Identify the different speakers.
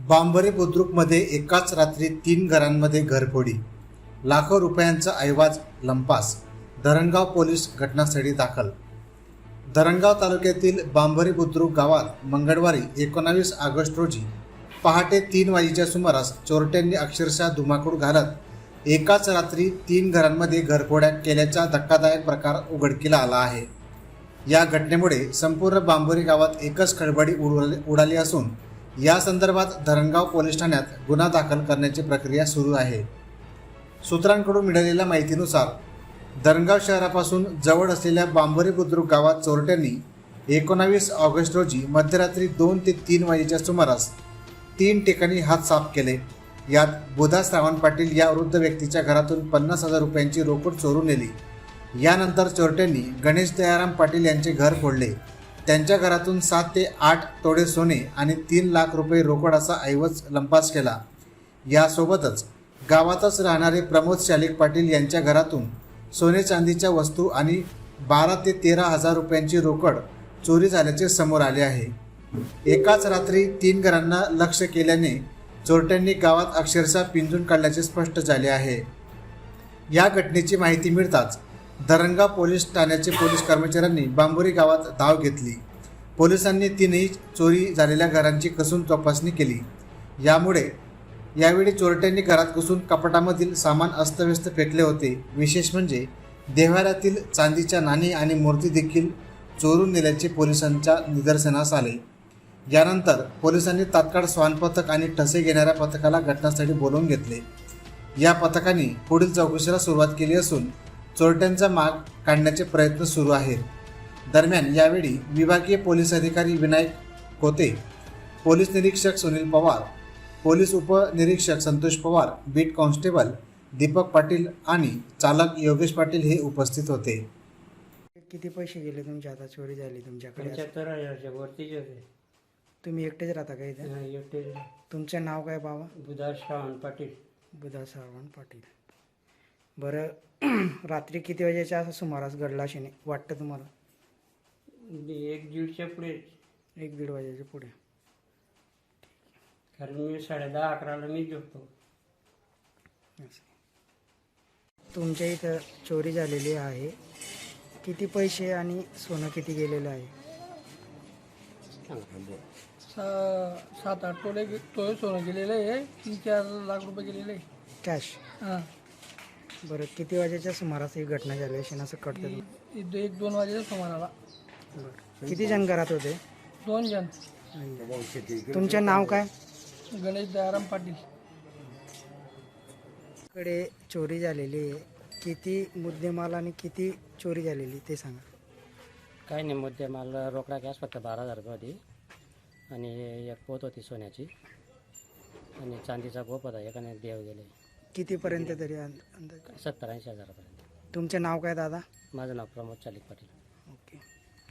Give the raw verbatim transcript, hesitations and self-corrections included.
Speaker 1: बांबरे बुद्रुकमध्ये एकाच रात्री तीन घरांमध्ये घरफोडी, लाखो रुपयांचा ऐवज लंपास. धरणगाव पोलीस घटनास्थळी दाखल. धरणगाव तालुक्यातील बांबरे बुद्रुक गावात मंगळवारी एकोणावीस ऑगस्ट रोजी पहाटे तीन वाजेच्या सुमारास चोरट्यांनी अक्षरशः धुमाकूळ घालत एकाच रात्री तीन घरांमध्ये घरफोड्या केल्याचा धक्कादायक प्रकार उघडकीला आला आहे. या घटनेमुळे संपूर्ण बांबोरी गावात एकच खळबळी उडाली उडाली असून या संदर्भात धरणगाव पोलीस ठाण्यात गुन्हा दाखल करण्याची प्रक्रिया सुरू आहे. सूत्रांकडून मिळालेल्या माहितीनुसार धरणगाव शहरापासून जवळ असलेल्या बांबोरी बुद्रुक गावात चोरट्यांनी एकोणावीस ऑगस्ट रोजी मध्यरात्री दोन ते तीन वाजेच्या सुमारास तीन ठिकाणी हात साफ केले. यात बुधा श्रावण पाटील या वृद्ध व्यक्तीच्या घरातून पन्नास हजार रुपयांची रोकड चोरून नेली. यानंतर चोरट्यांनी गणेश दयाराम पाटील यांचे घर फोडले. त्यांच्या घरातून सात ते आठ तोडे सोने आणि तीन लाख रुपये रोकड असा ऐवज लंपास केला. यासोबतच गावातच राहणारे प्रमोद शालिक पाटील यांच्या घरातून सोने चांदीच्या वस्तू आणि बारा ते तेरा हजार रुपयांची रोकड चोरी झाल्याचे समोर आले आहे. एकाच रात्री तीन घरांना लक्ष्य केल्याने चोरट्यांनी गावात अक्षरशः पिंजून काढल्याचे स्पष्ट झाले आहे. या घटनेची माहिती मिळताच धरणगाव पोलीस ठाण्याचे पोलीस कर्मचाऱ्यांनी बांबोरी गावात धाव घेतली. पोलिसांनी तीनही चोरी झालेल्या घरांची कसून तपासणी केली. यामुळे यावेळी चोरट्यांनी घरात घुसून कपाटामधील सामान अस्तव्यस्त फेकले होते. विशेष म्हणजे देव्हाऱ्यातील चांदीच्या नाणी आणि मूर्ती देखील चोरून नेल्याचे पोलिसांच्या निदर्शनास आले. यानंतर पोलिसांनी तात्काळ श्वान पथक आणि ठसे घेणाऱ्या पथकाला घटनास्थळी बोलावून घेतले. या पथकाने पुढील चौकशीला सुरुवात केली असून चोरट्यांचा माग काढण्याचे प्रयत्न सुरू आहेत. दरम्यान यावेळी विभागीय पोलीस अधिकारी विनायक कोते, पोलीस निरीक्षक सुनील पवार, पोलीस उपनिरीक्षक संतोष पवार, बीट कॉन्स्टेबल दीपक पाटील आणि चालक योगेश पाटील हे उपस्थित होते.
Speaker 2: किती पैसे गेले तुमच्या आता चोरी झाली तुमच्याकडे?
Speaker 3: पंच्याहत्तर हजारच्या वरतीच होते.
Speaker 2: तुम्ही एकटेच राहता का इथे?
Speaker 3: हा, एकटे.
Speaker 2: तुमचं नाव काय बाबा?
Speaker 3: बुधा श्रावण पाटील.
Speaker 2: बुधा श्रावण पाटील. बरं, रात्री किती वाजेच्या सुमारास घडला असे वाटतं तुम्हाला?
Speaker 3: एक दीडच्या पुढे.
Speaker 2: एक दीड वाजेच्या पुढे.
Speaker 3: कारण मी साडे दहा अकराला मी झोपतो.
Speaker 2: तुमच्या इथं चोरी झालेली आहे. किती पैसे आणि सोनं किती गेलेलं आहे?
Speaker 4: सा सात आठ तोले तोळे सोनं गेलेलं आहे. तीन चार लाख रुपये गेलेले आहे
Speaker 2: कॅश.
Speaker 4: हां.
Speaker 2: बरं, किती वाजेच्या सुमारास ही घटना झाली अशी असं कळतं?
Speaker 4: इ- एक दोन वाजेच्या सुमाराला.
Speaker 2: बरं, किती जण घरात होते?
Speaker 4: दोन जण.
Speaker 2: तुमचं नाव काय?
Speaker 4: गणेश दयाराम पाटील.
Speaker 2: कडे चोरी झालेली आहे. किती मुद्देमाल आणि किती चोरी झालेली ते सांगा.
Speaker 5: काही नाही, मुद्दे मला रोकडा कॅश फक्त बारा हजार रुपये होती आणि एक पोत होती सोन्याची आणि चांदीचा गोप होता. एकाने देव गेले.
Speaker 2: कितीपर्यंत तरी अंदाज?
Speaker 5: सत्तर ऐंशी हजारापर्यंत.
Speaker 2: तुमचं नाव काय दादा?
Speaker 5: माझं नाव प्रमोद चालिक पाटील.